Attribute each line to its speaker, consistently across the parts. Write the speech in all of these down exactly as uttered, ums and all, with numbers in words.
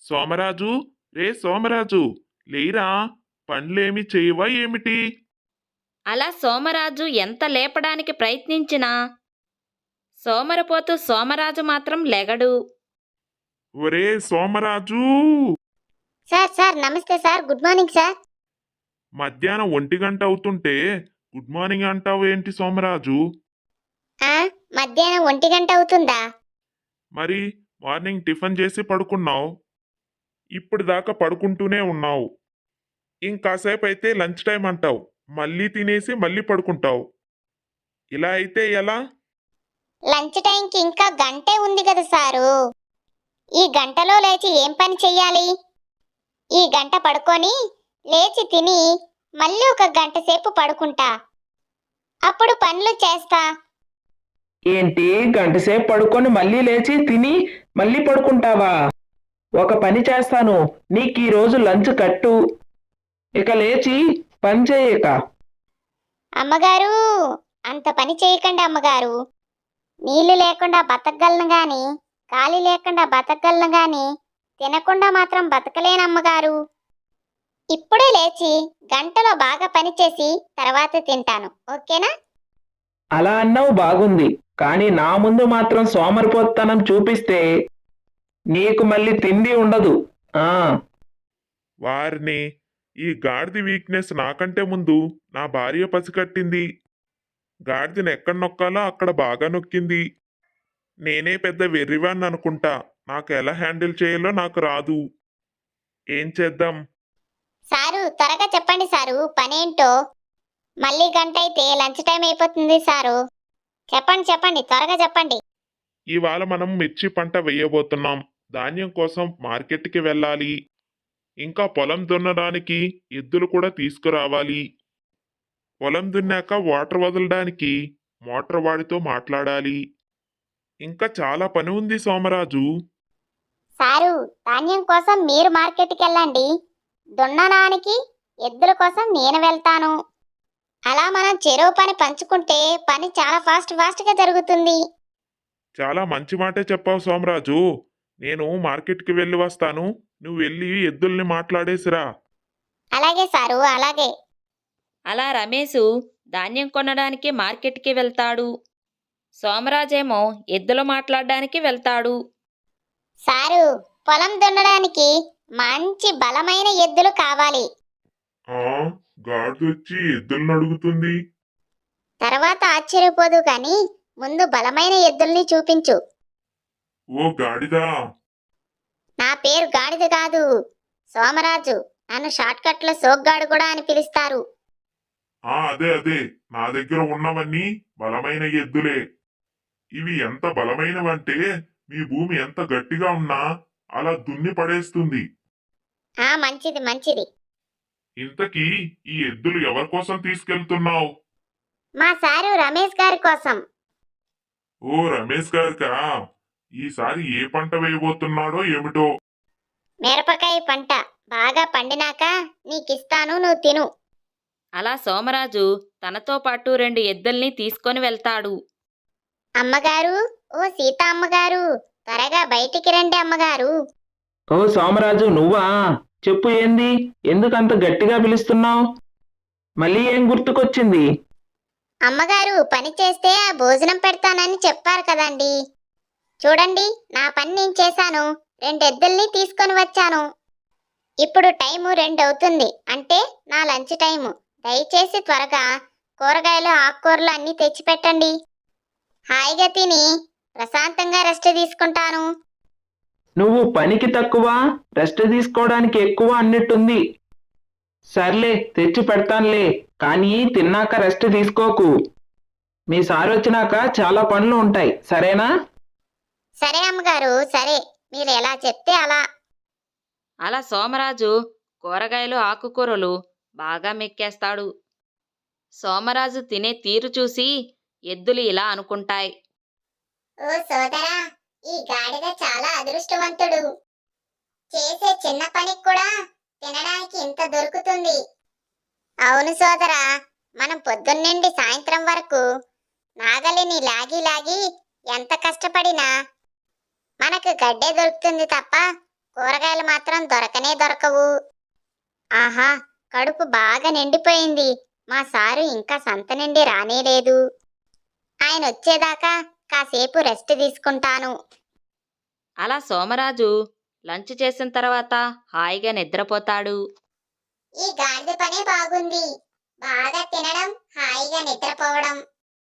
Speaker 1: సోమరాజు, రే సోమరాజు, లేరా? పనులేమి చేయవా ఏమిటి?
Speaker 2: అలా సోమరాజు ఎంత లేపడానికి ప్రయత్నించినా సోమరిపోతూ సోమరాజు మాత్రం లెగడు.
Speaker 1: ఒరే సోమరాజు!
Speaker 3: సార్ సార్ నమస్తే సార్, గుడ్ మార్నింగ్ సార్.
Speaker 1: మధ్యాహ్నం ఒంటి గంట అవుతుంటే గుడ్ మార్నింగ్ అంటావు ఏంటి సోమరాజు?
Speaker 3: ఆ మధ్యాహ్నం ఒంటి గంట అవుతుందా?
Speaker 1: మరి మార్నింగ్ టిఫిన్ చేసి పడుకున్నావు, ఇప్పుడు దాకా పడుకుంటూనే ఉన్నావు. ఇంకాసేపు అయితే లంచ్ టైం అంటావు, మళ్ళీ తినేసి మళ్ళీ పడుకుంటావు. ఇలా అయితే ఎలా?
Speaker 3: లంచ్ టైంకి ఇంకా గంటే ఉంది కదా సారు. ఈ గంటలో లేచి ఏం పని చెయ్యాలి? ఈ గంట పడుకొని లేచి తిని మళ్ళీ ఒక గంట సేపు పడుకుంటా, అప్పుడు పనులు చేస్తా.
Speaker 4: ఏంటి, గంటసేపు పడుకొని మళ్ళీ లేచి తిని మళ్ళీ పడుకుంటావా? ఒక పని చేస్తాను, నీకు ఈ రోజు లంచ్ కట్టు. ఇక లేచి పని చేయక.
Speaker 3: అమ్మగారు, అంత పని చేయకండి అమ్మగారు. నీళ్లు లేకుండా బతకగలను గాని, గాలి లేకుండా బతకగలను గాని, తినకుండా మాత్రం బతకలేనమ్మగారు. ఇప్పుడే లేచి గంటలో బాగా పని చేసి తర్వాత తింటాను, ఓకేనా?
Speaker 4: అలా అన్నావు బాగుంది, కానీ నా ముందు మాత్రం సోమరిపోతనం చూపిస్తే నీకు మళ్ళీ తిండి ఉండదు. ఆ
Speaker 1: వారిని, ఈ గాడిద వీక్నెస్ నాకంటే ముందు నా భార్య పసిగట్టింది. గాడిదని ఎక్కడ నొక్కాలో అక్కడ బాగా నొక్కింది. నేనే పెద్ద వెర్రివాన్ని అనుకుంటా, నాకు ఎలా హ్యాండిల్ చేయాలో నాకు రాదు. ఏం చేద్దాం?
Speaker 3: సారు, త్వరగా చెప్పండి సారు, పనేంటో. మళ్ళీ గంట అయితే లంచ్ టైం అయిపోతుంది సారు. చెప్పండి చెప్పండి, త్వరగా చెప్పండి.
Speaker 1: ఇవాళ మనం మిర్చి పంట వేయబోతున్నాం. ధాన్యం కోసం మార్కెట్కి వెళ్ళాలి. ఇంకా పొలం దున్నడానికి ఎద్దులు కూడా తీసుకురావాలి. పొలం దున్నాక వాటర్ వదలడానికి మోటార్ వాడితో మాట్లాడాలి. ఇంకా చాలా పని ఉంది సోమరాజు.
Speaker 3: సారు, ధాన్యం కోసం మీరు మార్కెట్కి వెళ్ళండి, దున్నడానికి ఎద్దుల కోసం నేను వెళ్తాను. అలా మనం చెరువు పని పంచుకుంటే పని చాలా ఫాస్ట్ ఫాస్ట్గా జరుగుతుంది.
Speaker 1: చాలా మంచి మాటే చెప్పావు సోమరాజు. నేను మార్కెట్కి వెళ్ళి వస్తాను, నువ్వు వెళ్ళి ఎద్దుల్ని మాట్లాడేసిరా.
Speaker 3: అలాగే సారు, అలాగే.
Speaker 2: అలా రమేషు ధాన్యం కొనడానికి మార్కెట్కి వెళ్తాడు. సోమరాజేమో ఎద్దులు మాట్లాడడానికి వెళ్తాడు.
Speaker 3: సారు, పొలం దున్నడానికి మంచి బలమైన ఎద్దులు కావాలి.
Speaker 1: ఆ గాడిదొచ్చి ఎద్దుల్ని అడుగుతుంది.
Speaker 3: తర్వాత ఆశ్చర్యపోదు కానీ ముందు బలమైన ఎద్దుల్ని చూపించు.
Speaker 1: ఓ గాడిదా!
Speaker 3: నా పేరు గాడిద కాదు, సోమరాజు. నన్ను షార్ట్ కట్ లో సోగ్గాడు కూడా అని పిలుస్తారు.
Speaker 1: ఆ అదే అదే, నా దగ్గర ఉన్నవన్నీ బలమైన ఎద్దులే. ఇవి ఎంత బలమైనవంటే మీ భూమి ఎంత గట్టిగా ఉన్నా అలా దున్ని పడేస్తుంది.
Speaker 3: ఆ మంచిది మంచిది.
Speaker 1: ఇంతకీ ఈ ఎద్దులు ఎవరి కోసం తీసుకెళ్తున్నావు?
Speaker 3: మా సారు రమేష్ గారి కోసం.
Speaker 1: ఓ రమేష్ గారికా? ఈసారి ఏ పంట వేయబోతున్నాడో ఏమిటో.
Speaker 3: మిరపకాయ పంట బాగా పండినాక నీకిస్తాను, నువ్వు తిను.
Speaker 2: అలా సోమరాజు తనతో పాటు రెండు ఎద్దుల్ని తీసుకొని వెళ్తాడు.
Speaker 3: అమ్మగారు, ఓ సీత అమ్మగారు, త్వరగా బయటికి రండి అమ్మగారు.
Speaker 4: ఓ సోమరాజు, నువ్వా? చెప్పు, ఏంది, ఎందుకంత గట్టిగా పిలుస్తున్నావు? మళ్ళీ ఏం గుర్తుకొచ్చింది?
Speaker 3: అమ్మగారు, పని చేస్తే ఆ భోజనం పెడతానని చెప్పారు కదండి. చూడండి, నా పని నేను చేశాను, రెండు ఎద్దుల్ని తీసుకొని వచ్చాను. ఇప్పుడు టైము రెండు అవుతుంది, అంటే నా లంచ్ టైము. దయచేసి త్వరగా కూరగాయలు ఆకుకూరలు అన్నీ తెచ్చిపెట్టండి. హాయిగా తిని ప్రశాంతంగా రెస్ట్ తీసుకుంటాను.
Speaker 4: నువ్వు పనికి తక్కువ, రెస్ట్ తీసుకోవడానికి ఎక్కువ అన్నట్టుంది. సర్లే, తెచ్చి పెడతానులే, కానీ తిన్నాక రెస్ట్ తీసుకోకు. మీ సార్ వచ్చినాక చాలా పనులు ఉంటాయి, సరేనా?
Speaker 3: సరే అమ్మగారు, సరే, మీరు ఎలా చెప్తే అలా.
Speaker 2: అలా సోమరాజు కూరగాయలు ఆకుకూరలు బాగా మెక్కేస్తాడు. సోమరాజు తినే తీరు చూసి ఎద్దులు ఇలా అనుకుంటాయి.
Speaker 3: ఓ సోదరా, ఈ గాడిద చాలా అదృష్టవంతుడు. చేసే చిన్న పనికి కూడా తినడానికి ఇంత దొరుకుతుంది. అవును సోదరా, మనం పొద్దున్నుండి సాయంత్రం వరకు నాగలిని లాగి లాగి ఎంత కష్టపడినా మనకు గడ్డే దొరుకుతుంది తప్ప కూరగాయలు మాత్రం దొరకనే దొరకవు. ఆహా, కడుపు బాగా నిండిపోయింది. మా సారు ఇంకా సంత నుండి రానేలేదు. ఆయన వచ్చేదాకా కాసేపు రెస్ట్ తీసుకుంటాను.
Speaker 2: అలా సోమరాజు లంచ్ చేసిన తర్వాత హాయిగా నిద్రపోతాడు.
Speaker 3: ఈ గాడిద పనే బాగుంది. బాగా తినడం, హాయిగా నిద్రపోవడం.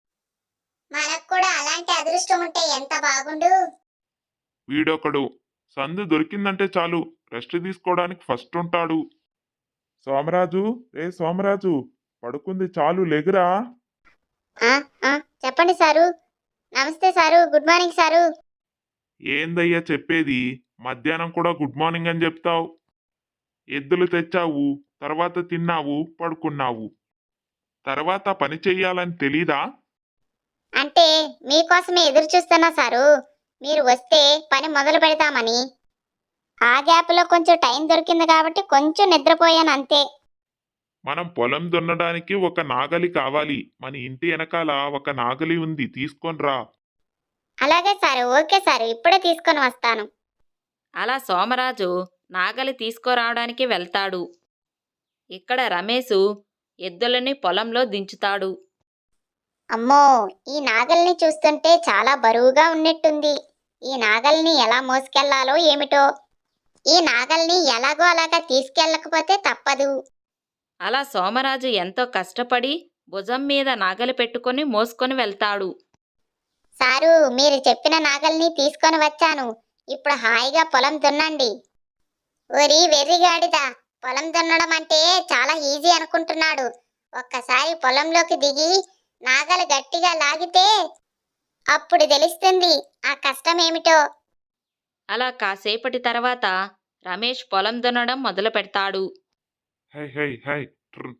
Speaker 3: మనకు కూడా అలాంటి అదృష్టం ఉంటే ఎంత బాగుండు.
Speaker 1: వీడొకడు సందు దొరికిందంటే చాలు రెస్ట్ తీసుకోవడానికి ఫస్ట్ ఉంటాడు. సోమరాజు, రే సోమరాజు, పడుకుంది చాలు లెగురా.
Speaker 3: ఆ, ఆ, చెప్పండి సారు. నమస్తే సారు, గుడ్ మార్నింగ్ సారు.
Speaker 1: ఏందయ్యా చెప్పేది? మధ్యాహ్నం కూడా గుడ్ మార్నింగ్ అని చెప్తావు. ఎద్దులు తెచ్చావు, తర్వాత తిన్నావు, పడుకున్నావు. తర్వాత పని చెయ్యాలని తెలీదా?
Speaker 3: అంటే మీకోసమే ఎదురు చూస్తున్నా సారు. మీరు వస్తే పని మొదలు పెడతామని. ఆ గ్యాప్లో కొంచెం టైం దొరికింది కాబట్టి కొంచెం నిద్రపోయాను అంతే.
Speaker 1: మనం పొలం దున్నడానికి ఒక నాగలి కావాలి. మన ఇంటి వెనకాల ఒక నాగలి ఉంది, తీసుకొనిరా.
Speaker 3: అలాగే సారు, ఓకే సారు, ఇప్పుడే తీసుకొని వస్తాను.
Speaker 2: అలా సోమరాజు నాగలి తీసుకురావడానికి వెళ్తాడు. ఇక్కడ రమేషు ఎద్దులని పొలంలో దించుతాడు.
Speaker 3: అమ్మో, ఈ నాగల్ని చూస్తుంటే చాలా బరువుగా ఉన్నట్టుంది. ఈ నాగల్ని ఎలా మోసుకెళ్లాలో ఏమిటో. ఈ నాగల్ని ఎలాగో అలాగా తీసుకెళ్ళకపోతే తప్పదు.
Speaker 2: అలా సోమరాజు ఎంతో కష్టపడి భుజం మీద నాగలి పెట్టుకొని మోసుకొని వెళ్తాడు.
Speaker 3: సారు, మీరు చెప్పిన నాగల్ని తీసుకొని వచ్చాను. ఇప్పుడు హాయిగా పొలం దున్నండి. ఓరి వెర్రిగాడిదా, పొలం దున్నడం అంటే చాలా ఈజీ అనుకుంటున్నాడు. ఒక్కసారి పొలంలోకి దిగి నాగలి గట్టిగా లాగితే అప్పుడు తెలుస్తుంది ఆ కష్టం ఏమిటో.
Speaker 2: అలా కాసేపటి తర్వాత రమేష్ పొలం దున్నడం మొదలు పెడతాడు.
Speaker 1: హై హై హై ట్ర్.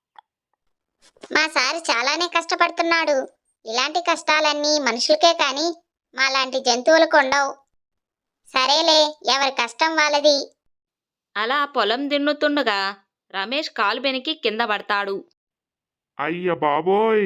Speaker 3: మా సారు చాలానే కష్టపడుతున్నాడు. ఇలాంటి కష్టాలన్నీ మనుషులకే కాని మాలాంటి జంతువులకు ఉండవు. సరేలే, ఎవరి కష్టం వాళ్ళది.
Speaker 2: అలా పొలం దున్నుతుండగా రమేష్ కాలు బెనికి కింద పడతాడు.
Speaker 1: అయ్య బాబోయ్!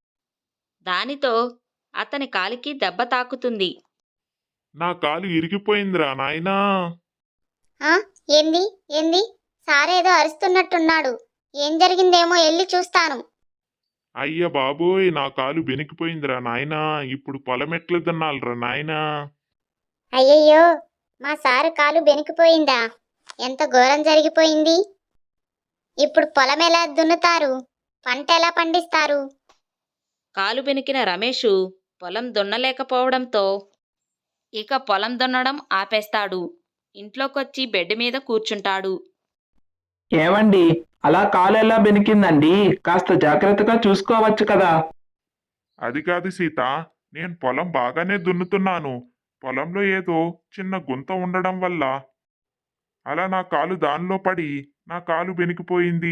Speaker 2: దానితో అతని కాలికి దెబ్బ తాకుతుంది.
Speaker 1: నా కాలు ఇరిగిపోయిందిరా నాయనా.
Speaker 3: ఆ, ఏంది ఏంది? సారేదో అరుస్తున్నట్టున్నాడు. ఏం జరిగిందేమో వెళ్ళి చూస్తాను.
Speaker 1: అయ్య బాబోయ్, నా కాలు బెనికిపోయిందిరా నాయనా. ఇప్పుడు పొలం ఎట్లా దున్నాలిరా నాయనా.
Speaker 3: అయ్యయ్యో, మా సారు కాలు బెనికిపోయిందా? ఎంత ఘోరం జరిగిపోయింది. ఇప్పుడు పొలం ఎలా దున్నుతారు? పంట ఎలా పండిస్తారు?
Speaker 2: కాలు బెనికిన రమేషు పొలం దున్నలేకపోవడంతో ఇక పొలం దున్నడం ఆపేస్తాడు. ఇంట్లోకొచ్చి బెడ్ మీద కూర్చుంటాడు.
Speaker 4: ఏమండి, అలా కాలు ఎలా బెనికిందండి? కాస్త జాగ్రత్తగా చూసుకోవచ్చు కదా.
Speaker 1: అది కాదు సీత, నేను పొలం బాగానే దున్నుతున్నాను. పొలంలో ఏదో చిన్న గుంత ఉండడం వల్ల అలా నా కాలు దానిలో పడి నా కాలు బెనికిపోయింది.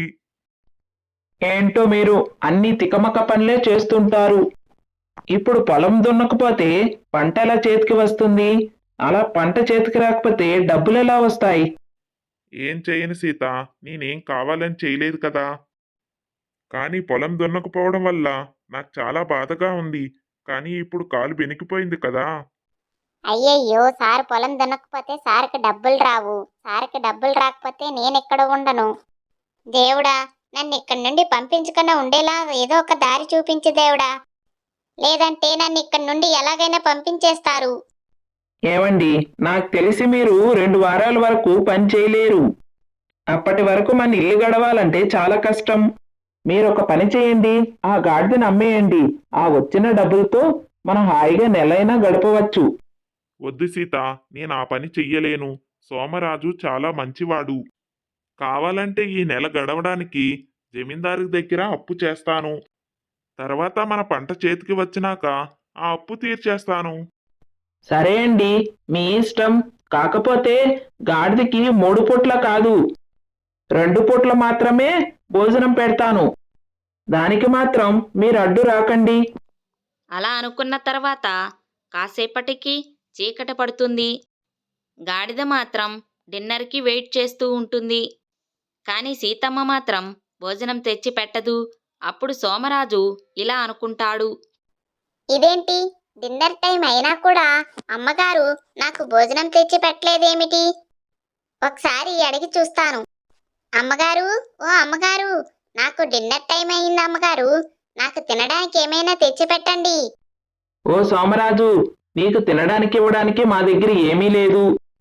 Speaker 4: ఏంటో మీరు అన్ని తికమక పనులే చేస్తుంటారు. ఇప్పుడు పొలం దున్నకపోతే పంట ఎలా చేతికి వస్తుంది? అలా పంట చేతికి రాకపోతే డబ్బులు ఎలా వస్తాయి?
Speaker 1: ఏం చేయను సీత, నేనేం కావాలని చేయలేదు కదా. కానీ పొలం దున్నకపోవడం వల్ల నాకు చాలా బాధగా ఉంది. కానీ ఇప్పుడు కాలు బెనికిపోయింది కదా.
Speaker 3: అయ్యయ్యో, సార్ పొలం దున్నకపోతే సార్కి డబ్బులు రావు. సార్కి డబ్బులు రాకపోతే నేను ఎక్కడ ఉండను. దేవుడా, నన్ను ఇక్కడి నుండి పంపించకుండా ఉండేలా ఏదో ఒక దారి చూపించు దేవుడా. లేదంటే నన్ను ఇక్కడి నుండి ఎలాగైనా పంపించేస్తారు.
Speaker 4: ఏమండి, నాకు తెలిసి మీరు రెండు వారాల వరకు పని చేయలేరు. అప్పటి వరకు మన ఇల్లు గడవాలంటే చాలా కష్టం. మీరు ఒక పని చేయండి, ఆ గాడిదని అమ్మేయండి. ఆ వచ్చిన డబ్బులతో మనం హాయిగా నెలైనా గడపవచ్చు.
Speaker 1: వద్దు సీత, నేను ఆ పని చెయ్యలేను. సోమరాజు చాలా మంచివాడు. కావాలంటే ఈ నెల గడవడానికి జమీందారు దగ్గర అప్పు చేస్తాను. తర్వాత మన పంట చేతికి వచ్చినాక ఆ అప్పు తీర్చేస్తాను.
Speaker 4: సరే అండి, మీ ఇష్టం. కాకపోతే గాడిదకి మూడు పూట్ల కాదు, రెండు పూట్ల మాత్రమే భోజనం పెడతాను. దానికి మాత్రం మీరు అడ్డు రాకండి.
Speaker 2: అలా అనుకున్న తర్వాత కాసేపటికి చీకటి పడుతుంది. గాడిద మాత్రం డిన్నర్కి వెయిట్ చేస్తూ ఉంటుంది. కానీ సీతమ్మ మాత్రం భోజనం తెచ్చి పెట్టదు. అప్పుడు సోమరాజు ఇలా అనుకుంటాడు.
Speaker 3: ఇదేంటి, డిన్నర్ టైం అయినా కూడా అమ్మగారు నాకు భోజనం తెచ్చి పెట్టలేదేమిటి? ఒకసారి అడిగి చూస్తాను. అమ్మగారు, ఓ అమ్మగారు, నాకు డిన్నర్ టైం అయింది అమ్మగారు. నాకు తినడానికి ఏమైనా తెచ్చిపెట్టండి.
Speaker 4: ఓ సోమరాజు, నీకు తినడానికి ఇవ్వడానికి మా దగ్గర ఏమీ లేదు.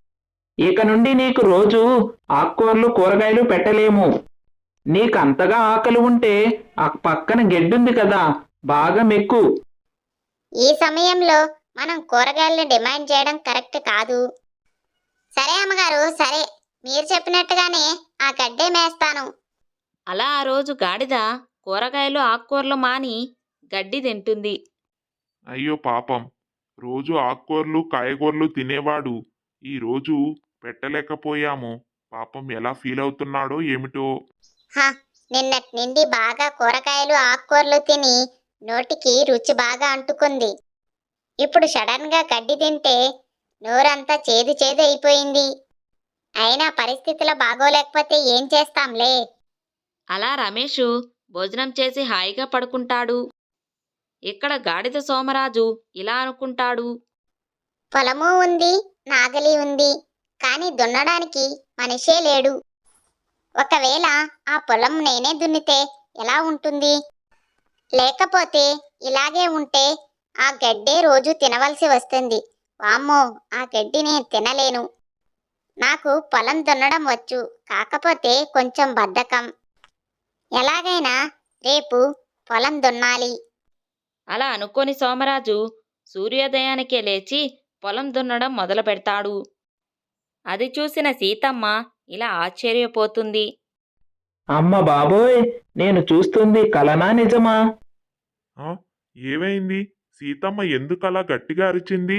Speaker 4: ఇక నుండి నీకు రోజు ఆకుకూరలు కూరగాయలు పెట్టలేము. నీకు అంతగా ఆకలి ఉంటే ఆ పక్కన గెడ్డుంది కదా, బాగా మెక్కు.
Speaker 3: ఈ సమయంలో మనం కూరగాయలను డిమాండ్ చేయడం కరెక్ట్ కాదు. సరే అమ్మగారు, సరే, మీరు చెప్పినట్టుగానే ఆ గడ్డే మేస్తాను.
Speaker 2: అలా ఆ రోజు గాడిద కూరగాయలు ఆకుకూరలు మాని గడ్డి తింటుంది.
Speaker 1: అయ్యో పాపం, రోజు ఆకుకూరలు కాయగూరలు తినేవాడు ఈ రోజు పెట్టలేకపోయాము. పాపం ఎలా ఫీల్ అవుతున్నాడో ఏమిటో.
Speaker 3: హ, నిన్నటి నుండి బాగా కూరగాయలు ఆకుకూరలు తిని నోటికి రుచి బాగా అంటుకుంది. ఇప్పుడు సడన్ గా గడ్డి తింటే నోరంతా చేదు చేదు అయిపోయింది. అయినా పరిస్థితులు బాగోలేకపోతే ఏం చేస్తాంలే.
Speaker 2: అలా రమేషు భోజనం చేసి హాయిగా పడుకుంటాడు. ఇక్కడ గాడిద సోమరాజు ఇలా అనుకుంటాడు.
Speaker 3: పొలము ఉంది, నాగలి ఉంది, కానీ దున్నడానికి మనిషే లేడు. ఒకవేళ ఆ పొలం నేనే దున్నితే ఎలా ఉంటుంది? లేకపోతే ఇలాగే ఉంటే ఆ గడ్డే రోజు తినవలసి వస్తుంది. వామ్మో, ఆ గడ్డి నేను తినలేను. నాకు పొలం దున్నడం వచ్చు, కాకపోతే కొంచెం బద్ధకం. ఎలాగైనా రేపు పొలం దున్నాలి.
Speaker 2: అలా అనుకోని సోమరాజు సూర్యోదయానికే లేచి పొలం దున్నడం మొదలు పెడతాడు. అది చూసిన సీతమ్మ ఇలా ఆశ్చర్యపోతుంది.
Speaker 4: అమ్మ బాబోయ్, నేను చూస్తుంది కలనా నిజమా?
Speaker 1: ఆ, ఏమైంది? సీతమ్మ ఎందుకలా గట్టిగా అరిచింది?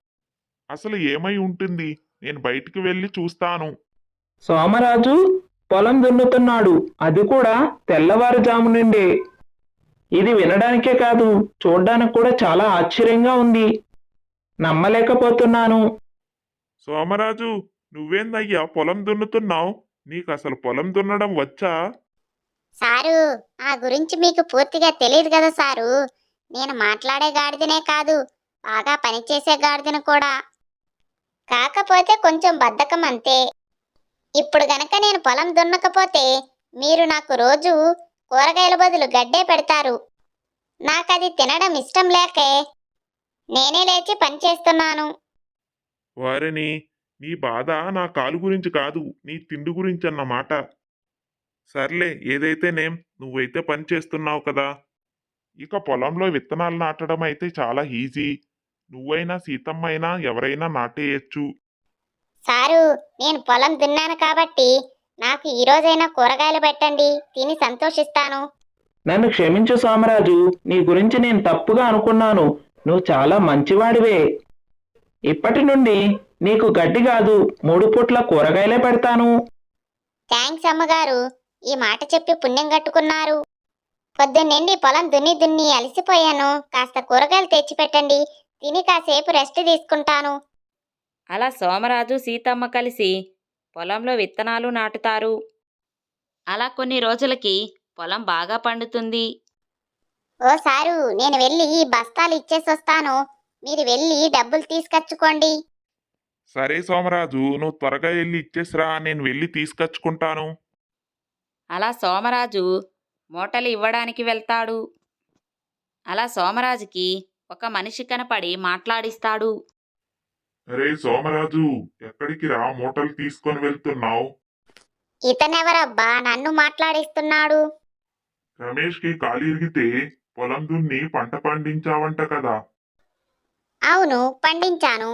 Speaker 1: అసలు ఏమై ఉంటుంది? నేను బయటికి వెళ్ళి చూస్తాను.
Speaker 4: సోమరాజు పొలం దున్నుతున్నాడు, అది కూడా తెల్లవారుజాము నుండే. ఇది వినడానికే కాదు, చూడ్డానికి కూడా చాలా ఆశ్చర్యంగా ఉంది. నమ్మలేకపోతున్నాను.
Speaker 1: సోమరాజు, నువ్వేందయ్యా పొలం దున్నుతున్నావు? నీకు అసలు పొలం దున్నడం వచ్చా?
Speaker 3: సారు, ఆ గురించి మీకు పూర్తిగా తెలియదు కదా సారు. నేను మాట్లాడే గాడిదనే కాదు, బాగా పనిచేసే గాడిదను కూడా. కాకపోతే కొంచెం బద్ధకం అంతే. ఇప్పుడు గనక నేను పొలం దున్నకపోతే మీరు నాకు రోజు కూరగాయల బదులు గడ్డే పెడతారు. నాకది తినడం ఇష్టం లేకే నేనే లేచి పని చేస్తున్నాను.
Speaker 1: వారిని, నీ బాధ నా కాలు గురించి కాదు, నీ తిండి గురించి అన్నమాట. సర్లే, ఏదైతేనేం, నువ్వైతే పని చేస్తున్నావు కదా. ఇక పొలంలో విత్తనాలు నాటడం అయితే చాలా ఈజీ. నువ్వైనా సీతమ్మ అయినా ఎవరైనా నాటేయచ్చు.
Speaker 3: సారు, నేను పొలం దున్నాను కాబట్టి నాకు ఈ రోజైనా కూరగాయలు పెట్టండి, తిని సంతోషిస్తాను.
Speaker 4: నన్ను క్షమించు సోమరాజు, నీ గురించి నేను తప్పుగా అనుకున్నాను. నువ్వు చాలా మంచివాడివే. ఇప్పటి నుండి నీకు గడ్డి కాదు, మూడు పూట్ల కూరగాయలే పెడతాను.
Speaker 3: థ్యాంక్స్ అమ్మగారు, ఈ మాట చెప్పి పుణ్యం కట్టుకున్నారు. పొద్దున్నండి పొలం దున్ని దున్ని అలసిపోయాను. కాస్త కూరగాయలు తెచ్చిపెట్టండి, తిని కాసేపు రెస్ట్ తీసుకుంటాను.
Speaker 2: అలా సోమరాజు సీతమ్మ కలిసి పొలంలో విత్తనాలు నాటుతారు. అలా కొన్ని రోజులకి పొలం బాగా పండుతుంది.
Speaker 3: ఓ సారు, నేను వెళ్ళి ఈ బస్తాలు ఇచ్చేసి వస్తాను. మీరు వెళ్ళి డబ్బులు తీసుకొచ్చుకోండి.
Speaker 1: సరే సోమరాజు, నువ్వు త్వరగా వెళ్ళి ఇచ్చేసిరా, నేను వెళ్ళి తీసుకొచ్చుకుంటాను.
Speaker 2: అలా సోమరాజు మూటలు ఇవ్వడానికి వెళ్తాడు. అలా సోమరాజుకి ఒక మనిషి కనపడి మాట్లాడిస్తాడు.
Speaker 1: అరే సోమరాజు, ఎక్కడికి రా మూటలు తీసుకొని వెళ్తున్నావు?
Speaker 3: ఇతనెవరబ్బా నన్ను మాట్లాడిస్తున్నాడు?
Speaker 1: రమేష్కి కాలు ఇరిగితే పొలం దున్ని పంట పండించావంట కదా.
Speaker 3: అవును, పండించాను.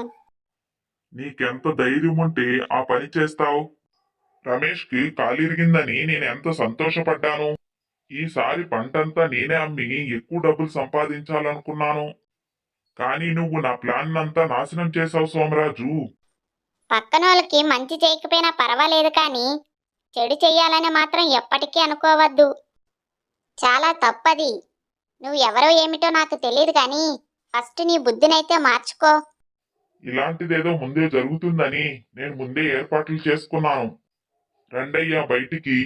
Speaker 1: నీకెంత ధైర్యం ఉంటే ఆ పని చేస్తావు? రమేష్కి కాలు ఇరిగిందని నేను ఎంత సంతోషపడ్డాను. ఈసారి పంటంతా నేనే అమ్మి ఎక్కువ డబ్బులు సంపాదించాలనుకున్నాను. కానీ నువ్వు నా ప్లాన్ అంతా నాశనం చేశావు సోమరాజు.
Speaker 3: పక్కనోళ్ళకి మంచి చేయకపోయినా పర్వాలేదు, కానీ చెడు చెయ్యాలని మాత్రం ఎప్పటికీ అనుకోవద్దు. చాలా తప్పది. నువ్వు ఎవరో ఏమిటో నాకు తెలియదు, కానీ ఫస్ట్ నీ బుద్ధినైతే మార్చుకో.
Speaker 1: ఇలాంటిదేదో ముందే జరుగుతుందని నేను ముందే ఏర్పాట్లు చేసుకున్నాను. రండయ్యా బయటికి.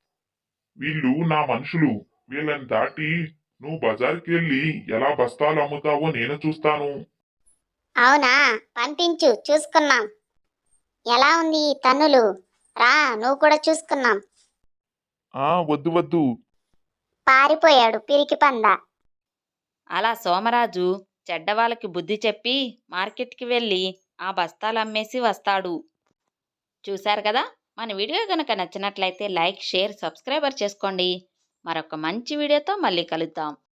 Speaker 1: వీళ్ళు నా మనుషులు. వీళ్ళని దాటి నువ్వు బజార్కి వెళ్ళి ఎలా బస్తాలు అమ్ముతావో నేను చూస్తాను.
Speaker 3: అవునా, పంపించు, చూసుకున్నాం. ఎలా ఉంది ఈ తన్నులు? రా నువ్వు కూడా చూసుకున్నాం.
Speaker 1: ఆ వద్దు వద్దు.
Speaker 3: పారిపోయాడు పిరికి పంద.
Speaker 2: అలా సోమరాజు చెడ్డవాళ్ళకి బుద్ధి చెప్పి మార్కెట్కి వెళ్ళి ఆ బస్తాలు అమ్మేసి వస్తాడు. చూశారు కదా, మన వీడియో కనుక నచ్చినట్లయితే లైక్, షేర్, సబ్స్క్రైబర్ చేసుకోండి. మరొక మంచి వీడియోతో మళ్ళీ కలుద్దాం.